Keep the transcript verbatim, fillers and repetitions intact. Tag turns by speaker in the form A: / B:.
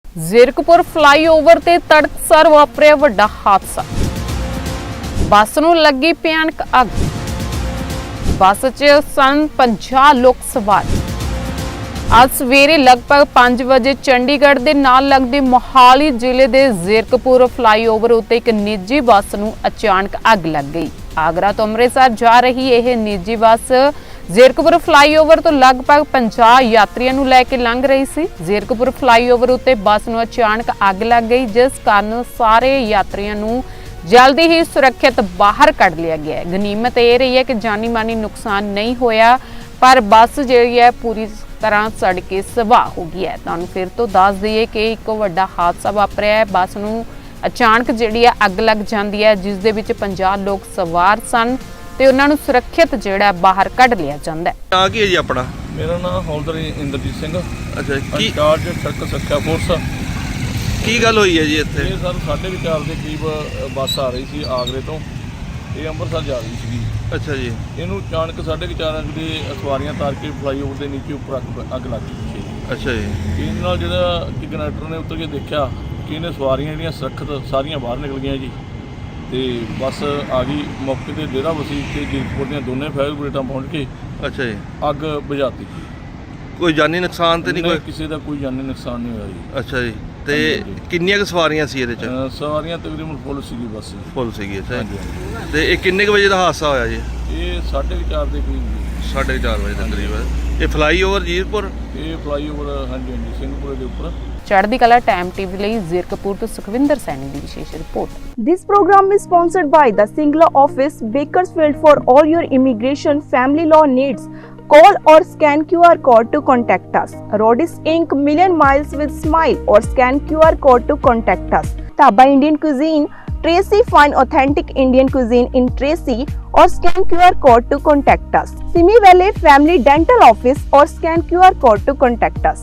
A: Zirakpur flyover ਤੇ ਤੜਕਸਾਰ ਵਾਪਰਿਆ ਵੱਡਾ ਹਾਦਸਾ। ਬੱਸ ਨੂੰ ਲੱਗੀ ਭਿਆਨਕ ਅੱਗ। ਬੱਸ 'ਚ ਸਨ ਪੰਜਾਹ ਲੋਕ ਸਵਾਰ। ਅੱਜ ਸਵੇਰੇ ਲਗਭਗ ਪੰਜ ਵਜੇ ਚੰਡੀਗੜ੍ਹ ਦੇ ਨਾਲ ਲੱਗਦੇ ਮੋਹਾਲੀ ਜ਼ਿਲ੍ਹੇ ਦੇ ਜ਼ੀਰਕਪੁਰ ਫਲਾਈਓਵਰ ਉੱਤੇ ਇੱਕ ਨਿੱਜੀ ਬੱਸ ਨੂੰ ਅਚਾਨਕ ਅੱਗ ਲੱਗ ਗਈ। ਆਗਰਾ ਤੋਂ ਅੰਮ੍ਰਿਤਸਰ ਜਾ ਰਹੀ ਇਹ ਨਿੱਜੀ ਬੱਸ ਜ਼ੀਰਕਪੁਰ ਫਲਾਈਓਵਰ ਤੋਂ ਲਗਭਗ ਪੰਜਾਹ ਯਾਤਰੀਆਂ ਨੂੰ ਲੈ ਕੇ ਲੰਘ ਰਹੀ ਸੀ। ਜ਼ੀਰਕਪੁਰ ਫਲਾਈਓਵਰ ਉੱਤੇ ਬੱਸ ਨੂੰ ਅਚਾਨਕ ਅੱਗ ਲੱਗ ਗਈ, ਜਿਸ ਕਾਰਨ ਸਾਰੇ ਯਾਤਰੀਆਂ ਨੂੰ ਜਲਦੀ ਹੀ ਸੁਰੱਖਿਅਤ ਬਾਹਰ ਕੱਢ ਲਿਆ ਗਿਆ। ਗਨੀਮਤ ਇਹ ਰਹੀ ਹੈ ਕਿ ਜਾਨੀ ਮਾਨੀ ਨੁਕਸਾਨ ਨਹੀਂ ਹੋਇਆ, ਪਰ ਬੱਸ ਜਿਹੜੀ ਹੈ ਪੂਰੀ ਤਰ੍ਹਾਂ ਸੜ ਕੇ ਸਵਾਹ ਹੋ ਗਈ ਹੈ। ਤੁਹਾਨੂੰ ਫਿਰ ਤੋਂ ਦੱਸ ਦਈਏ ਕਿ ਇੱਕ ਵੱਡਾ ਹਾਦਸਾ ਵਾਪਰਿਆ ਹੈ। ਬੱਸ ਨੂੰ ਅਚਾਨਕ ਜਿਹੜੀ ਹੈ ਅੱਗ ਲੱਗ ਜਾਂਦੀ ਹੈ, ਜਿਸ ਦੇ ਵਿੱਚ ਪੰਜਾਹ ਲੋਕ ਸਵਾਰ ਸਨ ਤੇ ਉਹਨਾਂ ਨੂੰ ਸੁਰੱਖਿਅਤ ਜਿਹੜਾ ਬਾਹਰ ਕੱਢ ਲਿਆ ਜਾਂਦਾ ਹੈ।
B: ਨਾਂ ਕੀ ਹੈ ਜੀ ਆਪਣਾ?
C: ਮੇਰਾ ਨਾਮ ਹੌਲਦਾਰ ਇੰਦਰਜੀਤ ਸਿੰਘ।
B: ਅੱਛਾ ਜੀ, ਕੀ
C: ਇੰਚਾਰਜ ਸੜਕ ਸੁਰੱਖਿਆ ਫੋਰਸ।
B: ਕੀ ਗੱਲ ਹੋਈ ਹੈ ਜੀ ਇੱਥੇ?
C: ਇਹ ਸਰ ਸਾਢੇ ਕੁ ਚਾਰ ਦੇ ਕਰੀਬ ਬੱਸ ਆ ਰਹੀ ਸੀ ਆਗਰੇ ਤੋਂ, ਇਹ ਅੰਮ੍ਰਿਤਸਰ ਜਾ ਰਹੀ ਸੀਗੀ।
B: ਅੱਛਾ ਜੀ,
C: ਇਹਨੂੰ ਅਚਾਨਕ ਸਾਢੇ ਕੁ ਚਾਰ ਦੇ ਸਵਾਰੀਆਂ ਤਾਰ ਕੇ ਫਲਾਈਓਵਰ ਦੇ ਨੀਚੇ ਉੱਪਰ ਅੱਗ ਅੱਗ ਲੱਗ ਗਈ ਪਿੱਛੇ।
B: ਅੱਛਾ ਜੀ,
C: ਇਹਦੇ ਨਾਲ ਜਿਹੜਾ ਕਿ ਕੰਡਕਟਰ ਨੇ ਉੱਤਰ ਕੇ ਦੇਖਿਆ ਕਿ ਇਹਨੇ ਸਵਾਰੀਆਂ ਜਿਹੜੀਆਂ ਸੁਰੱਖਿਅਤ ਸਾਰੀਆਂ ਬਾਹਰ ਨਿਕਲ ਗਈਆਂ ਜੀ, ਤੇ ਬੱਸ ਆ ਗਈ ਮੌਕੇ ਤੇ ਡੇਰਾ ਵਸੀ ਤੇ ਜ਼ੀਰਕਪੁਰ ਦੀਆਂ ਦੋਨੇ ਫਾਇਰ ਬ੍ਰਿਗੇਡਾਂ ਪਹੁੰਚ ਕੇ
B: ਅੱਛਾ ਜੀ,
C: ਅੱਗ ਬੁਝਾਤੀ।
B: ਕੋਈ ਜਾਨੀ ਨੁਕਸਾਨ ਤੇ ਨਹੀਂ ਕੋਈ?
C: ਕਿਸੇ ਦਾ ਕੋਈ ਜਾਨੀ ਨੁਕਸਾਨ ਨਹੀਂ ਹੋਇਆ ਜੀ।
B: ਅੱਛਾ ਜੀ, ਤੇ ਕਿੰਨੀਆਂ ਕੁ ਸਵਾਰੀਆਂ ਸੀ ਇਹਦੇ ਚ?
C: ਅ, ਸਵਾਰੀਆਂ ਤਕਰੀਬਨ ਫੁੱਲ ਸੀਗੀ ਬੱਸ।
B: ਫੁੱਲ ਸੀਗੀ। ਅੱਛਾ
C: ਹਾਂਜੀ,
B: ਜੀ,
C: ਹਾਂਜੀ।
B: ਤੇ ਇਹ ਕਿੰਨੇ ਕੁ ਵਜੇ ਦਾ ਹਾਦਸਾ ਹੋਇਆ ਜੀ?
C: ਇਹ ਸਾਢੇ ਕੁ ਚਾਰ ਦੇ ਕਰੀਬ ਜੀ।
B: ਸਾਢੇ ਚਾਰ ਵਜੇ ਦੇ ਕਰੀਬ। ਇਹ ਫਲਾਈਓਵਰ ਜੀਰਕਪੁਰ
C: ਇਹ ਫਲਾਈਓਵਰ ਹਾਂਜੀ ਹਾਂਜੀ ਸਿੰਘਪੁਰੇ ਦੇ ਉੱਪਰ।
A: ਚੜ੍ਹਦੀ ਕਲਾ ਟਾਈਮ ਟੀਵੀ ਲਈ ਜ਼ੀਰਕਪੁਰ ਤੋਂ ਸੁਖਵਿੰਦਰ ਸੈਣੀ ਦੀ ਵਿਸ਼ੇਸ਼ report.
D: This program is sponsored by the Singla office, Bakersfield. For all your immigration family law needs, call or scan Q R code to contact us. Rodis Incorporated. Million miles with smile, or scan Q R code to contact us. Taba Indian Cuisine, Tracy. Find authentic Indian cuisine in Tracy, or scan Q R code to contact us. Simi Valley Family Dental Office, or scan Q R code to contact us.